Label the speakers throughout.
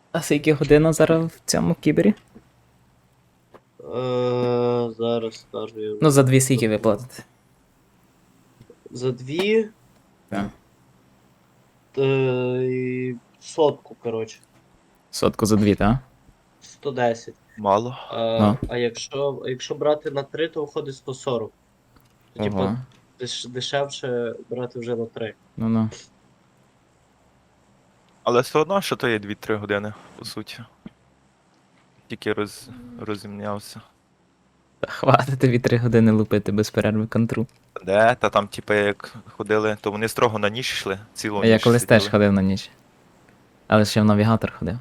Speaker 1: А скільки година зараз в цьому кібері?
Speaker 2: Зараз скажу я.
Speaker 1: Ну, за 2 скільки ви платите?
Speaker 2: За 2
Speaker 1: Так.
Speaker 2: сотку, коротше.
Speaker 1: Сотку за 2, так?
Speaker 2: 110.
Speaker 3: Мало.
Speaker 1: Ну.
Speaker 2: А якщо брати на 3, то виходить 140. То, типу,
Speaker 1: Ого.
Speaker 2: дешевше брати вже на 3.
Speaker 1: Ну-ну.
Speaker 3: Але все одно, що то є 2-3 години, по суті. Тільки розімнявся.
Speaker 1: Та хватить тобі 3 години лупити без перерви контру.
Speaker 3: Де? Та там, типу, як ходили, то вони строго на ніч йшли, цілу
Speaker 1: А я
Speaker 3: ніч
Speaker 1: колись теж
Speaker 3: сиділи.
Speaker 1: ходив на ніч. Але ще в навігатор ходив.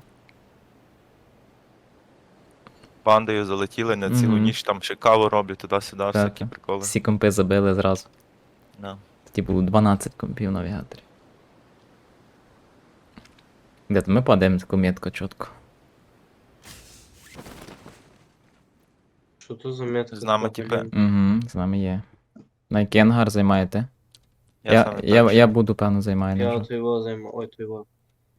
Speaker 3: Бандою залетіли на цілу
Speaker 1: Мгм.
Speaker 3: ніч, там ще каву роблять туди-сюди, всякі
Speaker 1: Так.
Speaker 3: приколи.
Speaker 1: Всі компи забили зразу.
Speaker 3: Да.
Speaker 1: Тоді було 12 компів в навігаторі. Де-то ми падаємо таку метку чітко.
Speaker 2: Що то за метка?
Speaker 3: З нами,
Speaker 2: така,
Speaker 3: типи,
Speaker 2: блін?
Speaker 1: Угу, з нами є. На який ангар займаєте?
Speaker 3: я саме
Speaker 1: Я
Speaker 3: перший.
Speaker 1: буду, певно, займаю.
Speaker 2: Я
Speaker 1: вже.
Speaker 2: от його займу. Ой, то його.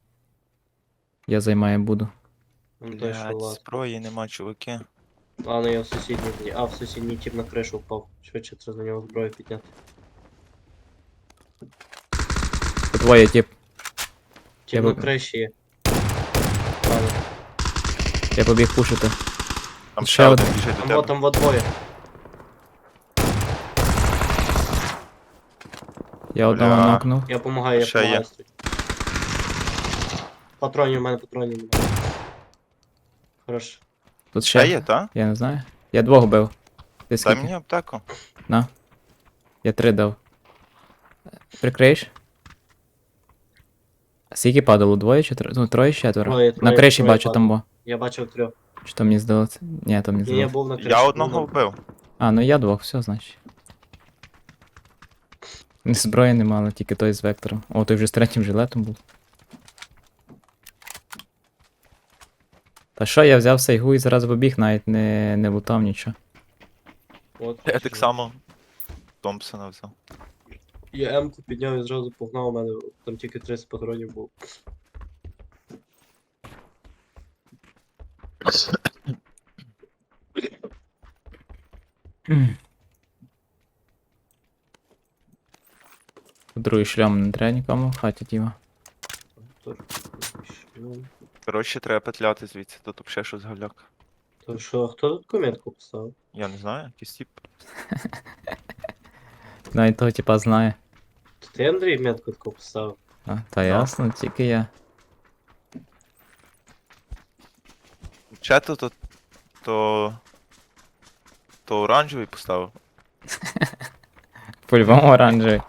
Speaker 1: Я займаю буду.
Speaker 2: Вон той, що
Speaker 3: Блядь,
Speaker 2: лаз.
Speaker 3: зброї нема, чуваки.
Speaker 2: Ладно, я в сусідній. А, в сусідній тип на кришу впав. Швидше треба на нього зброю підняти.
Speaker 1: Це твоє, тип.
Speaker 2: Тип
Speaker 1: Я
Speaker 2: на
Speaker 1: б-
Speaker 2: криші є. Ладно.
Speaker 1: Я побіг пушити.
Speaker 3: Там
Speaker 1: Ще
Speaker 3: ще один
Speaker 1: один.
Speaker 3: біжить до
Speaker 2: Там
Speaker 3: тебе.
Speaker 2: вот, там вот двоє.
Speaker 1: Я одного
Speaker 3: Бля.
Speaker 1: нокнув.
Speaker 2: Я помагаю, я
Speaker 3: Ще є.
Speaker 2: помагаю. Стой. Патронів, у мене патронів немає. Хорош.
Speaker 1: Тут
Speaker 3: Ще
Speaker 1: ще.
Speaker 3: є, та?
Speaker 1: Я не знаю. Я двох бив. Ти
Speaker 3: Дай
Speaker 1: скільки?
Speaker 3: мені аптеку.
Speaker 1: На. Я 3 дав. Прикриєш? А скільки падало? Двоє чи троє? Ну, троє чи четверо?
Speaker 2: Троє,
Speaker 1: На криші
Speaker 2: троє
Speaker 1: бачу там
Speaker 2: падало.
Speaker 1: бо.
Speaker 2: Я бачив 3.
Speaker 1: Чи то мені здалося? Ні, то мені
Speaker 2: Ні, я
Speaker 1: здалося.
Speaker 2: був на криші.
Speaker 3: Я
Speaker 2: був
Speaker 3: одного
Speaker 2: на-
Speaker 3: вбив.
Speaker 1: А, ну я двох, все, значить. Зброї нема, але тільки той з вектором. О, той вже з третім жилетом був. Та що, я взяв сайгу і зараз побіг, навіть не лутав нічого.
Speaker 2: От,
Speaker 3: Я так само Томпсона взяв.
Speaker 2: Я М-ку підняв і зразу погнав, у мене там тільки 30 патронів було.
Speaker 1: Другий шлям не треба нікому в хаті тіма.
Speaker 3: Коротше, треба петляти звідси, тут взагалі щось галяк.
Speaker 2: То що, хто тут комітку поставив?
Speaker 3: Я не знаю, якийсь тип.
Speaker 1: Навіть того типа знає.
Speaker 2: То ти, Андрій, метку таку поставив?
Speaker 1: А, та ясно, тільки я.
Speaker 3: Чето то оранжевий поставив.
Speaker 1: По-любому оранжевий.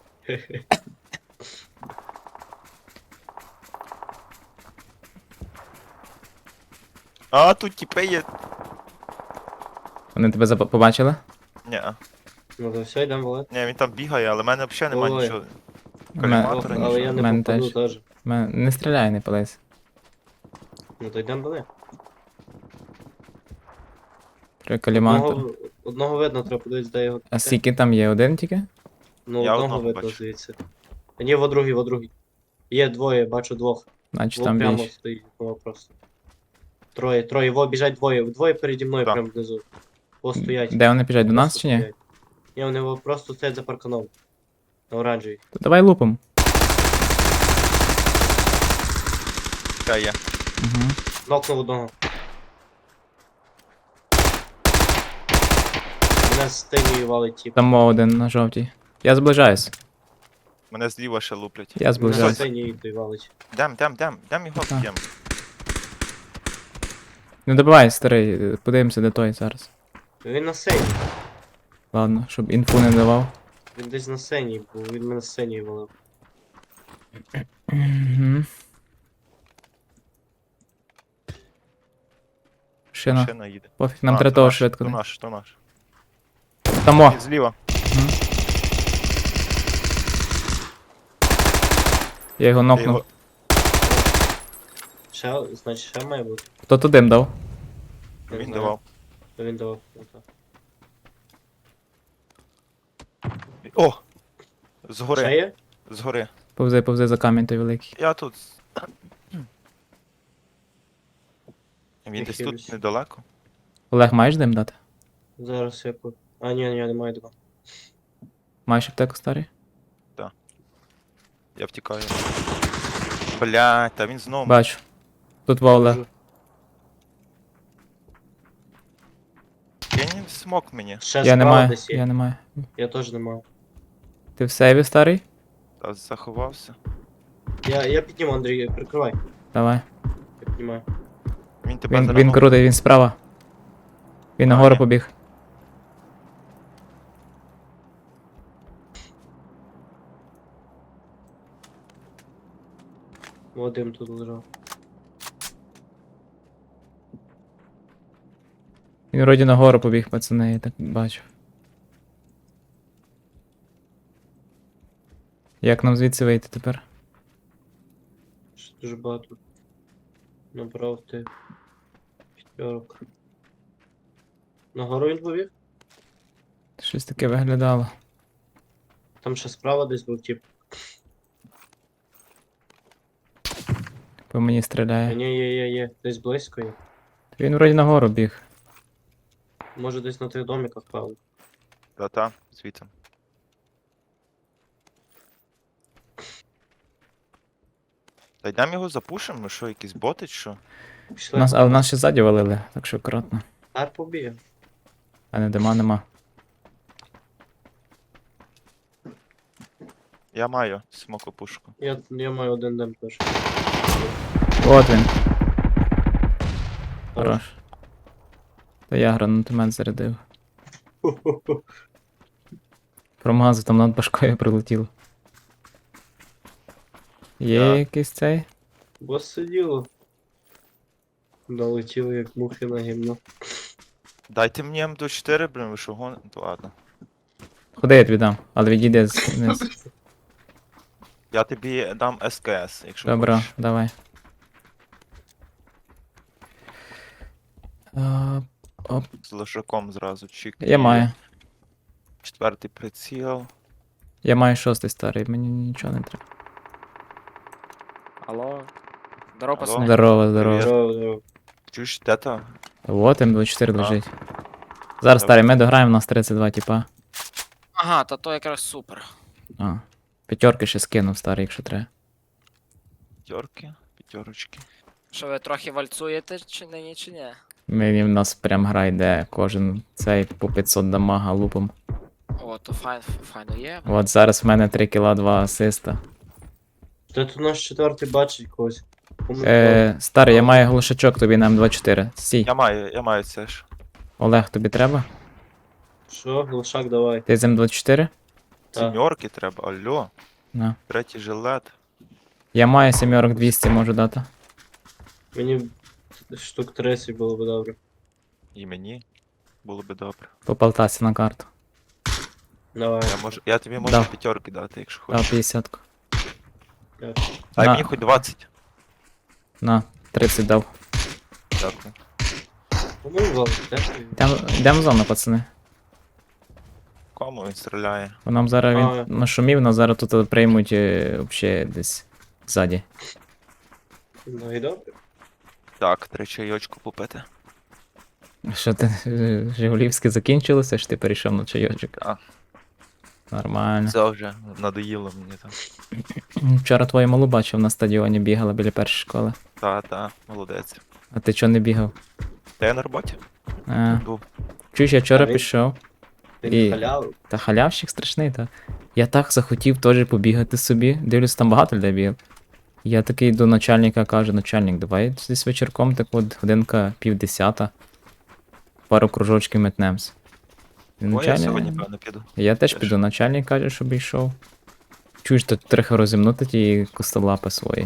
Speaker 3: А, тут тіпи є.
Speaker 1: Вони тебе побачили?
Speaker 3: Ні,
Speaker 2: Ну то все, йдемо валити.
Speaker 3: ні, він там бігає, але в мене взагалі немає
Speaker 2: Ой.
Speaker 3: нічого.
Speaker 1: Мен-
Speaker 3: Коліматора,
Speaker 2: Але
Speaker 3: нічого.
Speaker 2: я не
Speaker 1: Мене
Speaker 2: попаду
Speaker 1: теж.
Speaker 2: теж.
Speaker 1: Не стріляй, не пались.
Speaker 2: Ну то йдемо далі.
Speaker 1: Треба каліматор.
Speaker 2: Одного видно, треба подивитися, де його.
Speaker 1: А скільки там є? Один тільки?
Speaker 2: Ну,
Speaker 3: Я
Speaker 2: одного
Speaker 3: одного
Speaker 2: видно
Speaker 3: бачу.
Speaker 2: звідси. А ні, во другий. Є двоє, бачу двох.
Speaker 1: Значить
Speaker 2: Во
Speaker 1: там
Speaker 2: прямо
Speaker 1: більше.
Speaker 2: стоїть, во просто. Троє, во біжать двоє. Двоє переді мною
Speaker 3: Так.
Speaker 2: прямо внизу. Во стоять.
Speaker 1: Де вони біжать? До нас
Speaker 2: Просто
Speaker 1: чи ні?
Speaker 2: стоять. Ні, вони во просто стоять за парканом. На оранжевій.
Speaker 1: То давай лупом.
Speaker 3: Ще є.
Speaker 1: Угу.
Speaker 2: Нокнув одного. Мене з тинію валить тіп.
Speaker 1: Там один на жовтій. Я зближаюсь.
Speaker 3: Мене зліва ще луплять.
Speaker 1: Я
Speaker 2: Мене з
Speaker 1: зближаюсь.
Speaker 2: тинію той валить.
Speaker 3: Дем його
Speaker 1: Так.
Speaker 3: б'єм.
Speaker 1: Не добивай, старий, подивимося, де той зараз.
Speaker 2: Він на сцені.
Speaker 1: Ладно, щоб інфу не давав.
Speaker 2: Він десь на сцені, бо він мене з сцені валив.
Speaker 1: Угу. Шина.
Speaker 3: Машина їде.
Speaker 1: Пофіг, нам
Speaker 3: А,
Speaker 1: треба
Speaker 3: то
Speaker 1: того
Speaker 3: наш,
Speaker 1: швидко.
Speaker 3: То наш, то наш.
Speaker 1: Тамо.
Speaker 3: І зліва.
Speaker 1: Я його
Speaker 3: Я
Speaker 1: нокнув.
Speaker 3: його-
Speaker 2: Значить, ще має бути.
Speaker 1: Хто то дим дав?
Speaker 2: Не
Speaker 3: Він
Speaker 2: знаю.
Speaker 3: давав.
Speaker 2: То він давав. Ну, так.
Speaker 3: О!
Speaker 2: Ще
Speaker 3: Згори.
Speaker 2: є?
Speaker 3: Згори.
Speaker 1: Повзи за камінь той великий.
Speaker 3: Я тут. Він десь
Speaker 2: хилюсь.
Speaker 3: тут недалеко.
Speaker 1: Олег, маєш дим дати?
Speaker 2: Зараз я А, ні, немає два.
Speaker 1: Маєш аптеку старий?
Speaker 3: Я втікаю. Блядь, та він знову.
Speaker 1: Бачу. Тут во Олег.
Speaker 3: Кинь смок мені.
Speaker 2: Ще
Speaker 1: Я
Speaker 2: справа
Speaker 1: не маю,
Speaker 2: десь є.
Speaker 1: я не маю.
Speaker 2: Я теж не маю.
Speaker 1: Ти в сейві старий?
Speaker 3: Та заховався.
Speaker 2: Я підніму, Андрій, прикривай.
Speaker 1: Давай.
Speaker 2: Я піднімаю.
Speaker 3: Він тебе
Speaker 1: Він
Speaker 3: заранув.
Speaker 1: крутий, він справа. Він
Speaker 3: А,
Speaker 1: нагору
Speaker 3: ні.
Speaker 1: побіг.
Speaker 2: Вадим тут лежав.
Speaker 1: Він вроді нагору побіг, пацани, я так бачу. Як нам звідси вийти тепер?
Speaker 2: Ще дуже багато. Набрав ти. П'ятерок. Нагору він побіг?
Speaker 1: Щось таке виглядало.
Speaker 2: Там ще справа десь був тип.
Speaker 1: По мені стріляє.
Speaker 2: Ні, є. Десь близько є.
Speaker 1: Він вроді нагору біг.
Speaker 2: Може десь на тих домиках, правда.
Speaker 3: Та, звідти. Та йдемо його запушимо, ми що, якісь боти чи що?
Speaker 2: Пішли.
Speaker 1: Але нас ще ззаді валили, так що акуратно.
Speaker 2: Ар побіг.
Speaker 1: А не дима нема.
Speaker 3: Я маю смокопушку.
Speaker 2: Я маю один дем теж.
Speaker 1: От він. Хорош. Та я гранатомет зарядив. Промазав, там над башкою прилетіло. Є
Speaker 3: Так.
Speaker 1: якийсь цей?
Speaker 2: Бос сиділо. Долетіло як мухи на гімно.
Speaker 3: Дайте мені М24, блін, ви що гон... То ладно.
Speaker 1: Ходи, я тобі дам, але відійди вниз.
Speaker 3: Я тобі дам СКС, якщо
Speaker 1: Добре,
Speaker 3: хочеш.
Speaker 1: давай. Оп,
Speaker 3: З лошаком зразу чик.
Speaker 1: я маю.
Speaker 3: 4-й приціл.
Speaker 1: Я маю 6-й старий, мені нічого не треба.
Speaker 4: Алло. Здорово,
Speaker 3: Алло.
Speaker 4: пацани.
Speaker 1: Здорово, здорово.
Speaker 2: Здорово.
Speaker 3: Чуєш, де то?
Speaker 1: Вот М24
Speaker 3: А.
Speaker 1: лежить. Зараз,
Speaker 3: Добре.
Speaker 1: старий, ми дограємо, у нас 32 типа.
Speaker 4: Ага, та то якраз супер.
Speaker 1: А. П'ятерки ще скинув, старий, якщо треба.
Speaker 3: П'ятерочки.
Speaker 4: Що ви трохи вальцуєте чи нині, чи ні?
Speaker 1: Мені в нас прям гра йде, кожен цей по 500 дамага лупом.
Speaker 4: О, то файно є.
Speaker 1: От зараз в мене 3 кіла, 2 асиста.
Speaker 2: Та тут наш четвертий бачить когось. Кому
Speaker 1: Старий, я маю глушачок тобі на М24. Стій.
Speaker 3: Я маю це ж.
Speaker 1: Олег, тобі треба?
Speaker 2: Що? Глушак давай.
Speaker 1: Ти з М24?
Speaker 2: Та.
Speaker 3: Сімьорки треба, алло.
Speaker 1: На.
Speaker 3: Третій жилет.
Speaker 1: Я маю 7 200, можу дати.
Speaker 2: Мені штук 30 було б добре.
Speaker 3: І мені. Було би добре.
Speaker 1: По полтасі на карту.
Speaker 2: Давай.
Speaker 3: Я тобі можу
Speaker 1: Дав.
Speaker 3: п'ятерки дати, якщо
Speaker 1: Дав
Speaker 3: хочеш.
Speaker 1: 50.
Speaker 3: Дай
Speaker 1: На.
Speaker 3: мені хоч 20.
Speaker 1: На, 30 дав.
Speaker 3: Дякую.
Speaker 2: Кому валить? Де ти?
Speaker 1: Йдемо в зону, пацани.
Speaker 3: Кому він стріляє?
Speaker 1: Бо нам зараз
Speaker 2: А.
Speaker 1: він нашумів, нас зараз тут приймуть взагалі десь ззаді.
Speaker 2: Ну і добре.
Speaker 3: Так, 3 чайочку попити.
Speaker 1: Що ти, Жигулівське закінчилося, що ти перейшов на чайочок?
Speaker 3: Так.
Speaker 1: Нормально.
Speaker 3: Це вже надоїло мені там.
Speaker 1: Вчора твою малу бачив на стадіоні, бігала біля першої школи.
Speaker 3: Та, молодець.
Speaker 1: А ти чого не бігав?
Speaker 3: Та я на роботі
Speaker 1: А,
Speaker 3: був.
Speaker 1: чуєш, я вчора
Speaker 2: А він-
Speaker 1: пішов.
Speaker 2: Він
Speaker 1: І-
Speaker 2: халявив.
Speaker 1: Та халявщик страшний, та. Я так захотів теж побігати собі. Дивлюсь, там багато людей бігав. Я такий до начальника кажу, начальник, давай десь вечірком, так от годинка 9:30. Пару кружочків метнемось. І
Speaker 3: О, я
Speaker 1: начальник-
Speaker 3: сьогодні, певно, піду.
Speaker 1: Я теж
Speaker 3: Теж.
Speaker 1: піду, начальник каже, щоб йшов. Чуєш, тут трохи розімнути ті костолапи свої.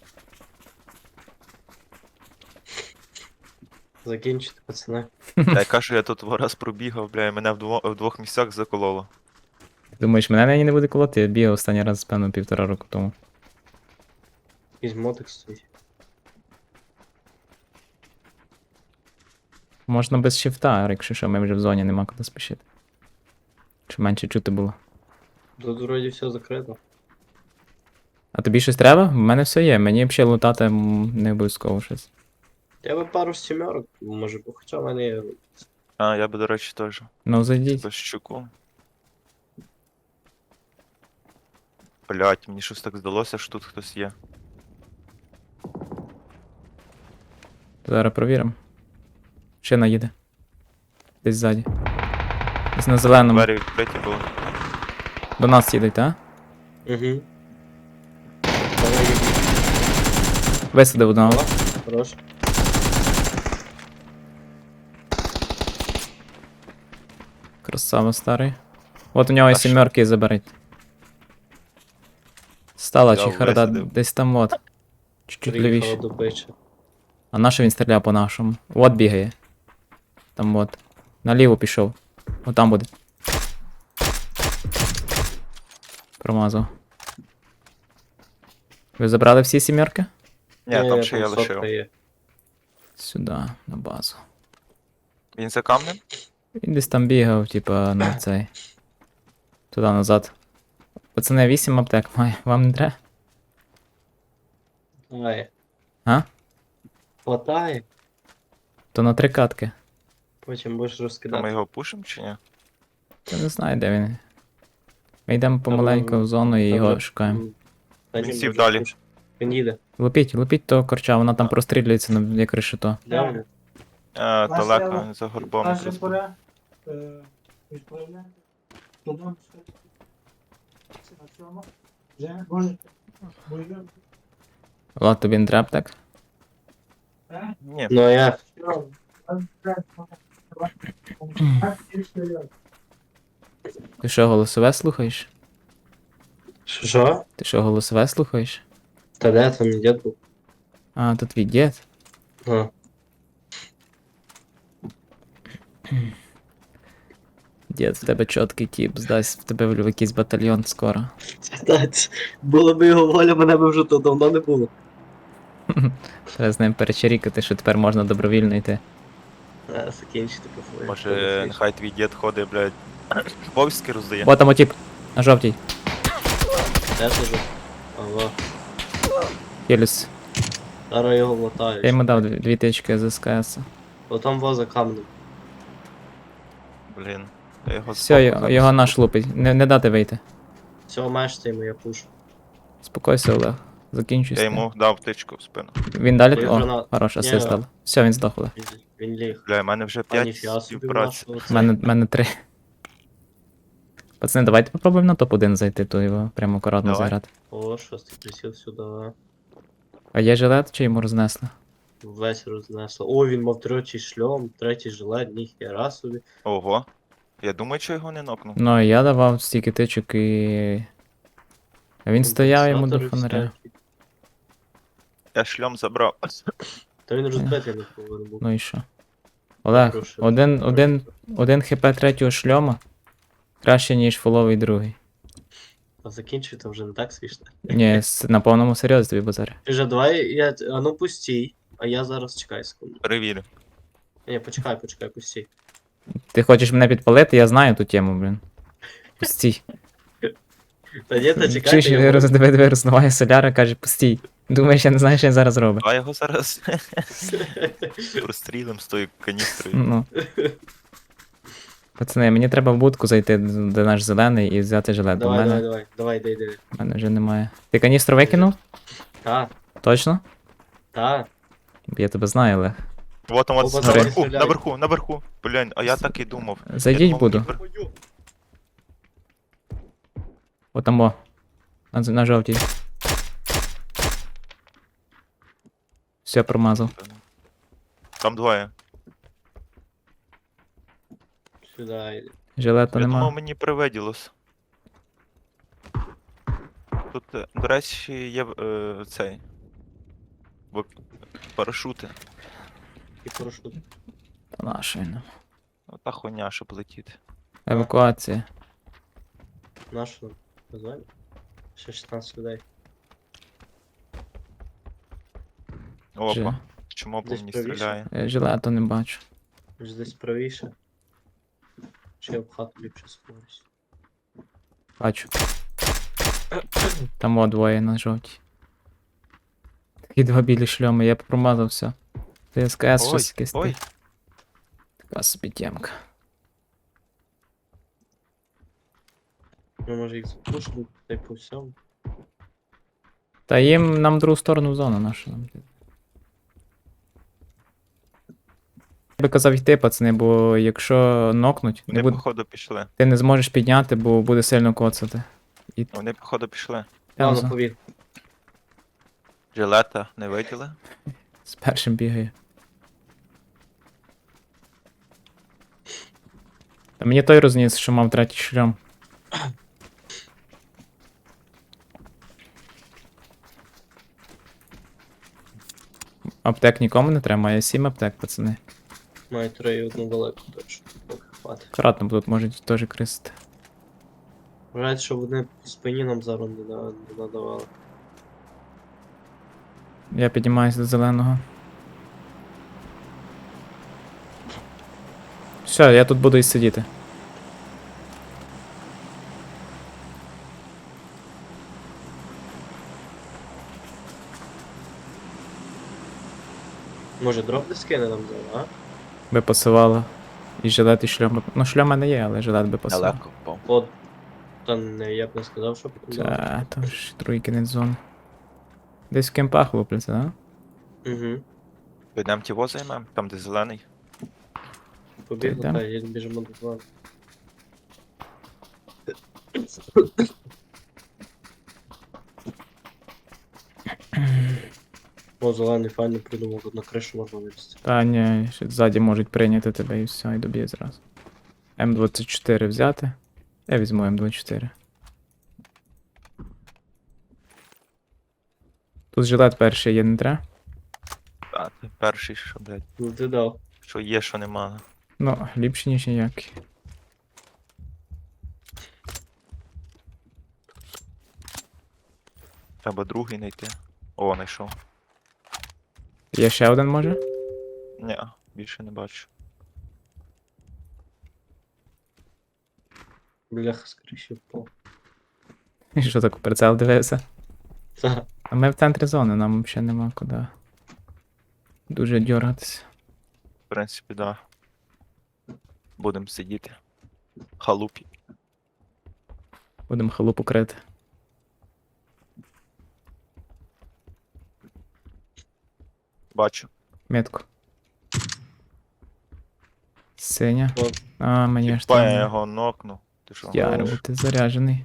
Speaker 2: Закінчити, пацани.
Speaker 3: Та я кажу, я тут раз пробігав, бля, і мене в двох місцях закололо.
Speaker 1: Думаєш, мене нині не буде колоти? Я бігав останній раз, певно, 1,5 року тому.
Speaker 2: Якийсь мотик стоїть.
Speaker 1: Можна без шифта, якщо що, ми вже в зоні, нема куди спішити. Щоб менше чути було.
Speaker 2: Тут вроді все закрито.
Speaker 1: А тобі щось треба? В мене все є, мені взагалі лутати не обов'язково щось.
Speaker 2: Я би пару сімерок, може, бо хоча в мене є.
Speaker 3: А, я би, до речі, теж.
Speaker 1: Ну зайдіть.
Speaker 3: Без щуку. Блять, мені щось так здалося, що тут хтось є.
Speaker 1: Зараз провіримо. Шина їде. Десь ззаді. Десь на зеленому.
Speaker 3: Двері відкриті були.
Speaker 1: До нас їдуть, а?
Speaker 2: Угу. Давай,
Speaker 1: Висадив одного.
Speaker 2: О, хорош.
Speaker 1: Красава старий. От у нього і
Speaker 3: А що?
Speaker 1: сімерки заберіть. Стала
Speaker 3: Я
Speaker 1: чи харда
Speaker 3: висадив.
Speaker 1: десь там от. Чуть-чуть
Speaker 2: Приїхала
Speaker 1: лівіше.
Speaker 2: до бича.
Speaker 1: А на що він стріляє по нашому? От бігає. Там от. Наліво пішов. Отам буде. Промазав. Ви забрали всі сімерки?
Speaker 3: Ні, там ще я
Speaker 2: сотка
Speaker 3: лишив.
Speaker 2: є.
Speaker 1: Сюди, на базу.
Speaker 3: Він за камнем?
Speaker 1: Він десь там бігав, типа, на цей. Туди назад. Пацани, 8 аптек має. Вам не треба?
Speaker 2: Хватає.
Speaker 1: А?
Speaker 2: Хватає.
Speaker 1: То на 3 катки.
Speaker 2: Потім будеш
Speaker 3: То ми
Speaker 2: розкидати.
Speaker 3: його пушимо чи ні?
Speaker 1: Я не знаю, де він. Ми йдемо помаленьку
Speaker 2: Там-
Speaker 1: в зону і
Speaker 2: Там
Speaker 1: його
Speaker 2: вже-
Speaker 1: шукаємо.
Speaker 2: Та
Speaker 3: Він
Speaker 2: ні,
Speaker 3: сів
Speaker 2: може,
Speaker 3: далі.
Speaker 2: пуш. Він їде.
Speaker 1: Лупіть того корча, вона там прострілюється як решето.
Speaker 2: Де вони?
Speaker 3: Далеко, він за горбом.
Speaker 5: Каже
Speaker 3: якраз.
Speaker 5: пора відправляти. Додому це на цьому. Вже можете. Бойові.
Speaker 1: Влад, тобі не треба так?
Speaker 3: Ні,
Speaker 2: Ну а як?
Speaker 1: Ти що, голосове слухаєш?
Speaker 2: Що?
Speaker 1: Ти що, голосове слухаєш?
Speaker 2: Та де там мій дід був?
Speaker 1: А, то твій дід.
Speaker 2: А.
Speaker 1: Дід, в тебе чіткий тіп, здасть в тебе в якийсь батальйон скоро.
Speaker 2: Було б його воля, мене б вже то давно не було.
Speaker 1: Треба з ним перечерікати, що тепер можна добровільно йти.
Speaker 2: Закінчити по
Speaker 3: може нехай твій дід ходить, блядь, повістки роздає.
Speaker 1: О, там отіп, на жовтій.
Speaker 2: Де сижу? Ага.
Speaker 1: Хеліс.
Speaker 2: Зараз його латаю.
Speaker 1: Я йому дав 2 тички з СКС.
Speaker 2: Отам воза камнем.
Speaker 3: Блін. Я його
Speaker 1: Все,
Speaker 3: збоку
Speaker 1: його
Speaker 3: зараз.
Speaker 1: наш лупить. Не дати вийти.
Speaker 2: Все, мешти йому, я пушу.
Speaker 1: Спокойся, Олег. Закінчуй.
Speaker 3: Я
Speaker 1: з тим.
Speaker 3: йому дав тичку в спину.
Speaker 1: Він далі.
Speaker 2: Той
Speaker 1: О,
Speaker 2: гранат.
Speaker 1: хорош,
Speaker 2: Ні.
Speaker 1: асист дав. Все, він здох, Олег.
Speaker 2: Він ліг.
Speaker 3: Бля, в мене вже
Speaker 2: А
Speaker 3: 5
Speaker 2: ніфіга собі
Speaker 3: співпраці.
Speaker 2: нашого
Speaker 1: У мене 3. Пацани, давайте попробуємо на топ-1 зайти, то його прямо акуратно
Speaker 3: Давай.
Speaker 1: заграти.
Speaker 2: О, шостий присів сюди.
Speaker 1: А є жилет, чи йому рознесли?
Speaker 2: Весь рознесло. О, він мав третій шльом, третій жилет, ніхера собі.
Speaker 3: Ого. Я думаю, що його не нокнув.
Speaker 1: Ну, я давав стільки тичок і. А він стояв йому до
Speaker 2: Компенсатори
Speaker 1: фонаря.
Speaker 2: всякі.
Speaker 3: Я шльом забрав.
Speaker 2: Та він розбитий не повинен був.
Speaker 1: Ну і що? Олег,
Speaker 2: Прошу.
Speaker 1: один хп третього шльома краще, ніж фуловий другий.
Speaker 2: А закінчуй, там вже не так смішно.
Speaker 1: Ні, на повному серйозі тобі базарю.
Speaker 2: Вже давай, а ну пустій, а я зараз чекай секунду.
Speaker 3: Перевірю.
Speaker 2: Ні, почекай, пустій.
Speaker 1: Ти хочеш мене підпалити, я знаю ту тему, блін. Пустій.
Speaker 2: Та ні, та
Speaker 1: Чуєш,
Speaker 2: чекай, я
Speaker 1: диви, рознуває соляра, каже, пустій. Думаєш, я не знаю, що він зараз робить.
Speaker 3: А його зараз прострілим з тою каністрою.
Speaker 1: Ну. Пацани, мені треба в будку зайти, де наш зелений, і взяти жилет. Бо в
Speaker 2: давай, йди.
Speaker 1: мене вже немає. Ти каністру викинув?
Speaker 2: Та,
Speaker 1: Точно?
Speaker 2: та.
Speaker 1: Я тебе знаю, Олег.
Speaker 3: Вот там от
Speaker 2: Оба
Speaker 3: наверху,
Speaker 2: стріляють.
Speaker 3: наверху. Блін, а я так і думав.
Speaker 1: Зайдіть
Speaker 3: Я думав,
Speaker 1: буду.
Speaker 3: наверху.
Speaker 1: Отамо. На жовтій. Все, промазав.
Speaker 3: Там двоє.
Speaker 2: Сюди йди.
Speaker 1: Жилета
Speaker 3: Я думав,
Speaker 1: нема.
Speaker 3: мені привиділось. Тут, до речі, є цей. Парашути.
Speaker 2: І парашут.
Speaker 1: Та наша він.
Speaker 3: Ота хуйня, щоб летіти.
Speaker 1: Евакуація.
Speaker 2: Нашу нам. Позвали? Ще 16 людей.
Speaker 3: Опа. Чому по
Speaker 2: Десь
Speaker 3: мені
Speaker 2: правіше.
Speaker 3: стріляє?
Speaker 1: Жилету не бачу.
Speaker 2: Може десь правіше. Чи я в хату ліпше сховаюсь.
Speaker 1: Бачу. Там о двоє на жовтій. Такі 2 білі шльоми, я промазав все. Ти СКС
Speaker 3: Ой,
Speaker 1: щось якесь.
Speaker 3: ой.
Speaker 1: Така собі тємка.
Speaker 2: Ну, може їх запушили, та й по всьому.
Speaker 1: Та їм нам другу сторону в зону нашу. Нам. Я би казав йти, пацани, бо якщо нокнуть,
Speaker 3: Вони,
Speaker 1: не буде,
Speaker 3: походу, пішли.
Speaker 1: ти не зможеш підняти, бо буде сильно коцати. І
Speaker 3: Вони, походу, пішли.
Speaker 2: Ладно,
Speaker 1: Пауза.
Speaker 2: побіг.
Speaker 3: Жилета не виділи.
Speaker 1: З першим бігає. Та мені той розніс, що мав третій шлям. Аптек нікому не треба, має 7 аптек, пацани.
Speaker 2: Маю 3 і одну далеку точно. Поки хватить.
Speaker 1: Акуратно, бо тут можуть теж крисити.
Speaker 2: Вважається, що вони по спині нам зараз не надавали.
Speaker 1: Я піднімаюся до зеленого. Все, я тут буду і сидіти.
Speaker 2: Може дроп десь кине нам зараз, а?
Speaker 1: Би пасувало. І жилет, і шльом. Ну, шльом в мене є, але жилет би пасував.
Speaker 3: Далеко впав.
Speaker 2: От. Та не, я б не сказав, що потім дав.
Speaker 1: Та, то ж другий кінець зони. Десь в кемпах лупляться, да?
Speaker 2: Угу.
Speaker 3: Підемо ті займемо, там де зелений.
Speaker 2: Побігли,
Speaker 1: йдем.
Speaker 2: та їдемо біжимо до плану. О, зелений файно придумав, тут на кришу можна вилізти.
Speaker 1: Та ні, ще ззаді можуть прийняти тебе і все, і доб'є зразу. М24 взяти. Я візьму М24. Тут жилет перший є, не треба?
Speaker 3: А, ти перший, що, блядь,
Speaker 2: Ну ти дав.
Speaker 3: що є, що нема.
Speaker 1: Ну, ліпше, ніж ніякий.
Speaker 3: Треба другий знайти. О, знайшов.
Speaker 1: Є ще один, може?
Speaker 3: Ні, більше не бачу.
Speaker 2: Бляха з криші впав.
Speaker 1: І що так у прицел дивився?
Speaker 2: Та.
Speaker 1: А ми в центрі зони, нам взагалі нема куди. Дуже дьоргатися.
Speaker 3: В принципі, да. Будемо сидіти. Халупі.
Speaker 1: Будемо халупу крити.
Speaker 3: Бачу.
Speaker 1: Метку. Синя.
Speaker 2: О.
Speaker 1: А, мені аж
Speaker 3: Тіпа я
Speaker 1: там.
Speaker 3: його нокнув. Ти що?
Speaker 1: Яро, бо ти заряджений.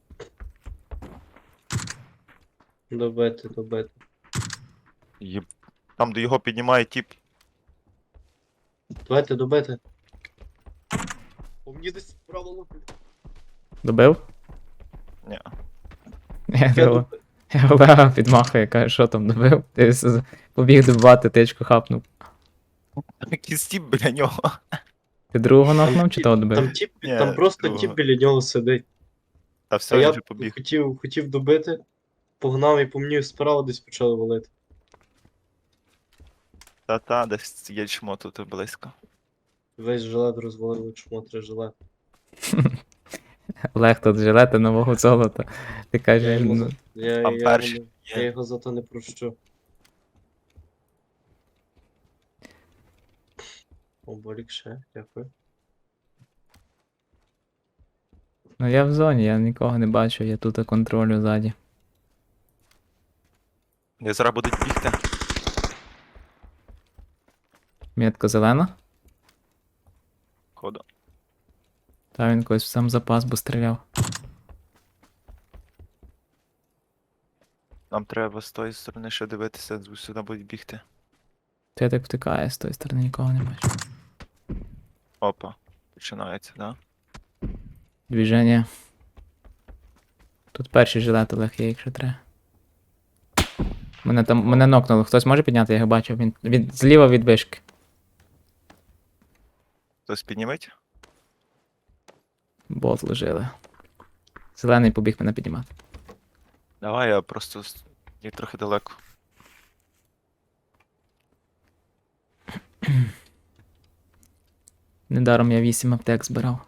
Speaker 2: Добити, добити.
Speaker 3: Єб... Там, де його піднімає тіп.
Speaker 2: Давайте добити. О, мені десь справа лупить.
Speaker 1: Добив?
Speaker 3: Ні.
Speaker 1: Я
Speaker 2: Я
Speaker 1: думав. Я Олега підмахує, каже, що там добив. Ти побіг добивати, тичку хапнув.
Speaker 3: Який стіп біля нього.
Speaker 1: Ти другого нокнув чи того добив?
Speaker 2: Там тіп,
Speaker 3: Ні,
Speaker 2: там просто
Speaker 3: другого.
Speaker 2: тіп біля нього сидить.
Speaker 3: Та
Speaker 2: А
Speaker 3: все, він
Speaker 2: я
Speaker 3: вже побіг.
Speaker 2: хотів добити, погнав і по мені справа десь почали валити.
Speaker 3: Та-та, десь є чмо тут близько.
Speaker 2: Весь жилет розвалили, чому 3 жилет.
Speaker 1: Олег тут жилети нового золота. Ти кажеш,
Speaker 2: йому
Speaker 1: ну,
Speaker 2: за- я,
Speaker 3: Там
Speaker 2: я,
Speaker 3: перший
Speaker 2: йому-
Speaker 3: є.
Speaker 2: я його за то не прощу. О, болік ще, дякую.
Speaker 1: ну я в зоні, я нікого не бачу, я тут контролю ззаді.
Speaker 3: Не зараз будуть бігти.
Speaker 1: Метка зелена?
Speaker 3: Ходу.
Speaker 1: Та він когось в сам запас, бо стріляв.
Speaker 3: Нам треба з тої сторони ще дивитися, сюди будуть бігти.
Speaker 1: То я так втикаю, з тої сторони нікого не бачу.
Speaker 3: Опа. Починається, да?
Speaker 1: Двіження. Тут перший жилет Олег є, якщо треба. Мене нокнуло. Хтось може підняти, я його бачив. Він зліва від вишки.
Speaker 3: Хтось підніметь?
Speaker 1: Бот лежили. Зелений побіг мене піднімати.
Speaker 3: Давай, я просто є трохи далеко.
Speaker 1: Недаром я 8 аптек збирав.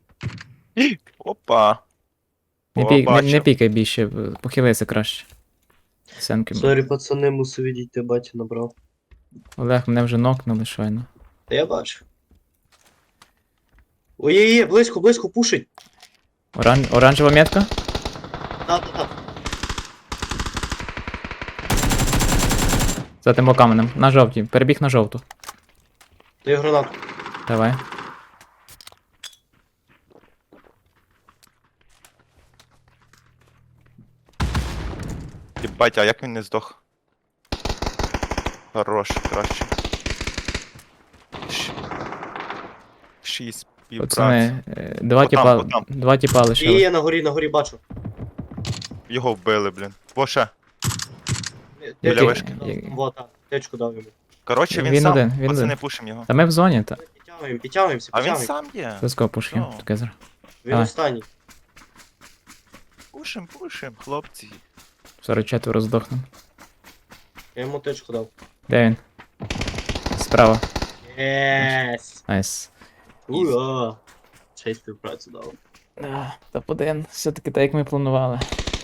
Speaker 3: Опа!
Speaker 1: Не,
Speaker 3: О,
Speaker 1: не
Speaker 3: бачу.
Speaker 1: пікай більше, похилися краще. Сенки.
Speaker 2: Сорі, пацани, мусив відійти, батя набрав.
Speaker 1: Олег, мене вже нокнули щойно.
Speaker 2: Та я бачу. Ой-ой-ой, близько, близько, пушить.
Speaker 1: Оранжева метка?
Speaker 2: Та.
Speaker 1: За тим каменем. На жовтій. Перебіг на жовту.
Speaker 2: Даю гранату.
Speaker 1: Давай.
Speaker 3: Єбать, а як він не здох? Хорош, краще. 6 півпраці.
Speaker 1: Пацани, два
Speaker 3: Отам,
Speaker 1: тіпа,
Speaker 3: отам.
Speaker 1: два тіпа
Speaker 2: І
Speaker 1: лишили.
Speaker 2: я на горі бачу.
Speaker 3: Його вбили, блін. Во ще.
Speaker 1: Біля
Speaker 2: Течку
Speaker 1: вишки.
Speaker 2: дав. Вот, так, течку дав йому.
Speaker 3: Коротше, він,
Speaker 1: Він
Speaker 3: сам.
Speaker 1: один, він
Speaker 3: Пацани,
Speaker 1: один.
Speaker 3: пушим його.
Speaker 1: Та ми в зоні, та.
Speaker 2: Підтягуємося.
Speaker 3: А він сам є.
Speaker 1: Близько пушки.
Speaker 3: Ну.
Speaker 1: Таке зра.
Speaker 2: Він
Speaker 1: Давай.
Speaker 2: останній.
Speaker 3: Пушим, хлопці.
Speaker 1: 44 здохнув.
Speaker 2: Я йому течку дав.
Speaker 1: Де він? Справа.
Speaker 2: Єс.
Speaker 1: Найс.
Speaker 2: Ура. Ще й співпрацю дав.
Speaker 1: Топ-1. Все-таки так, як ми планували.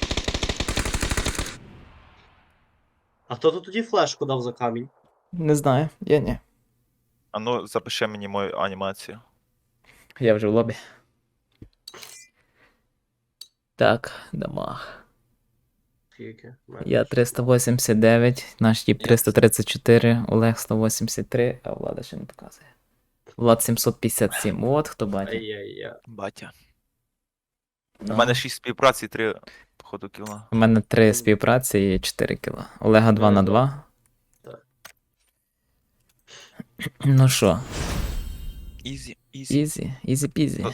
Speaker 2: А хто тут тоді флешку дав за камінь?
Speaker 1: Не знаю, я ні.
Speaker 3: А ну, запиши мені мою анімацію.
Speaker 1: Я вже в лобі. Так, дамаг.
Speaker 2: Скільки?
Speaker 1: Я 389, наш тіп 334, Олег 183, а Влада ще не показує. Влад 757. От хто бачить.
Speaker 2: Ай-яй-яй.
Speaker 3: Батя.
Speaker 1: Да.
Speaker 3: У мене 6 співпраці, 3, походу, кіла.
Speaker 1: У мене 3 співпраці і 4 кіла. Олега 2 на 2.
Speaker 2: Так.
Speaker 1: Ну що,
Speaker 3: Ізі, ізі.
Speaker 1: ізі, ізі-пізі.
Speaker 3: Ну,